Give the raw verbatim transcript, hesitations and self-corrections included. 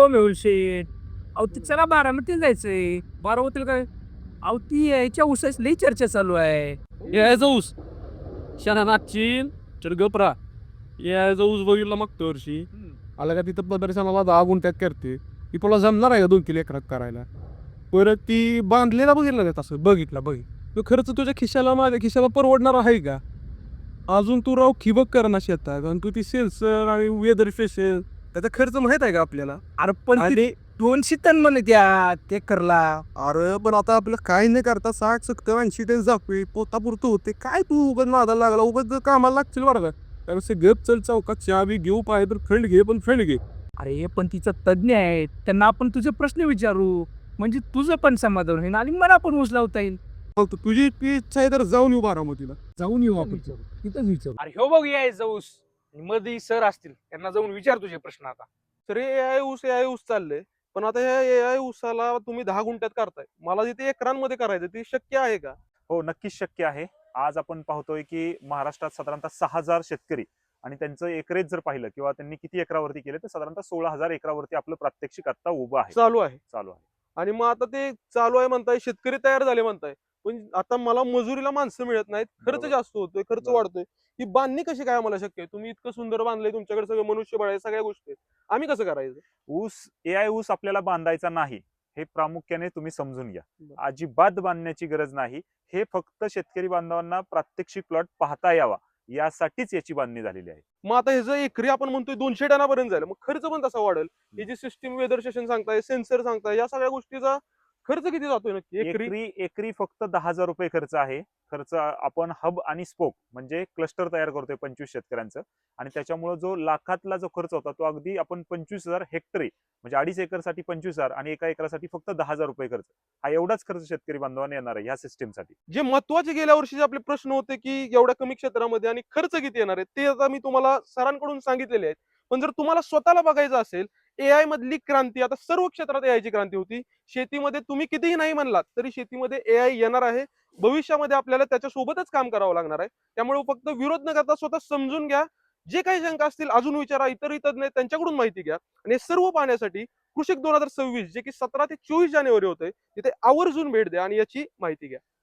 मेहुल शेठ. अहो ते चला बारामतीला जायचंय. बारामतीला काय? अहो ती याच्या ऊसाची लई चर्चा चालू आहे. यायचा ऊस शाना नाचीन तर गपरा यायचा ऊस बघितला मागच्या वर्षी आला का तिथं प्रदर्शनाला दहा गुंठ्यात करते ती तुला जमणार आहे का दोन किलो एकरात करायला परत ती बांधलेला बघितला का तसं बघितला बघ तो खर्च तुझ्या खिशाला माझ्या खिशाला परवडणार आहे का अजून तू राव ठिबक कर ना शेतात आणि तू ती सेल्सर आणि वेदर फेसेल त्याचा खर्च माहित आहे का आपल्याला अरे पण आणि- ते दोनशे टन म्हणे त्या ते करला. अरे पण आता आपलं काय नाही करता साठ सत्तर ऐंशी टेन्स दाखवे पोता पुरतं होते काय तू उगाच नादाला लागला उगाच कामाला लागतील बरं का त्यापेक्षा गप चल चौकात चहा बी घेऊ पाहिजे तर फ्रेंड घे पण फ्रेंड घे अरे पण तिचा तज्ञ आहे, त्यांना आपण तुझे प्रश्न विचारू, म्हणजे तुझं पण समाधान होईल आणि मला पण ऊस लावता येईल. फक्त तुझी इतकी इच्छा आहे तर जाऊन येऊ बारामतीला जाऊन येऊ आपण तिथंच विचारू. अरे हो बघ यायचं ऊस मध्ये सर असतील त्यांना जाऊन विचार तुझे प्रश्न आता. तर ए आय ऊस ए आय ऊस चाललंय पण आता ह्या ए आय ऊसाला तुम्ही दहा गुंठ्यात करताय मला तिथे एकरांमध्ये करायचं ते शक्य आहे का? हो नक्कीच शक्य आहे. आज आपण पाहतोय की महाराष्ट्रात साधारणतः सहा हजार शेतकरी आणि त्यांचं एकरेज जर पाहिलं किंवा त्यांनी किती एकरावरती केले तर साधारणतः सोळा हजार एकरावरती आपलं प्रात्यक्षिक आता उभं आहे चालू आहे चालू आहे. आणि मग आता ते चालू आहे म्हणताय शेतकरी तयार झाले म्हणताय पण आता मला मजुरीला माणसं मिळत नाहीत खर्च बरोबर. जास्त होतोय खर्च बरोबर. वाढतोय ही बांधणी कशी काय आम्हाला शक्य आहे? तुम्ही इतकं सुंदर बांधलंय तुमच्याकडे सगळं मनुष्यबळ आहे सगळ्या गोष्टी आहेत. आम्ही कसं करायचं? ऊस ए आय ऊस आपल्याला बांधायचा नाही हे प्रामुख्याने तुम्ही समजून घ्या. बरं. अजिबात बांधण्याची गरज नाही. हे फक्त शेतकरी बांधवांना प्रात्यक्षिक प्लॉट पाहता यावा यासाठीच याची बांधणी झालेली आहे. मग आता ह्याचं एकरी आपण म्हणतोय दोनशे टनापर्यंत जाईल मग खर्च पण तसा वाढेल. ही जी सिस्टीम वेदर स्टेशन सांगताय सेन्सर सांगताय या सगळ्या गोष्टीचा खर्च किती जातोय नक्की एकरी? एकरी एकरी फक्त दहा हजार रुपये खर्च आहे. खर्च आपण हब आणि स्पोक म्हणजे क्लस्टर तयार करतोय पंचवीस शेतकऱ्यांचं आणि त्याच्यामुळे जो लाखातला जो खर्च होता तो अगदी आपण पंचवीस हजार हेक्टरी म्हणजे अडीच एकरसाठी पंचवीस हजार आणि एका एकरासाठी फक्त दहा हजार रुपये खर्च हा एवढाच खर्च शेतकरी बांधवांना येणार आहे ह्या सिस्टीमसाठी. जे महत्वाचे गेल्या वर्षीचे आपले प्रश्न होते की एवढ्या कमी क्षेत्रामध्ये आणि खर्च किती येणार आहे ते आता मी तुम्हाला सरांकडून सांगितलेले आहेत. पण जर तुम्हाला स्वतःला बघायचं असेल ए आय मधली क्रांती आता सर्व क्षेत्रात ए आय ची क्रांती होती. शेतीमध्ये तुम्ही कितीही नाही म्हणलात तरी शेतीमध्ये ए आय येणार आहे. भविष्यामध्ये आपल्याला त्याच्या सोबतच काम करावं लागणार आहे. त्यामुळे फक्त विरोध न करता स्वतः समजून घ्या. जे काही शंका असतील अजून विचारा इतरही तज्ञ आहेत त्यांच्याकडून माहिती घ्या आणि हे सर्व पाहण्यासाठी कृषिक दोन हजार सव्वीस जे की सतरा ते चोवीस जानेवारी होते तिथे आवर्जून भेट द्या आणि याची माहिती घ्या.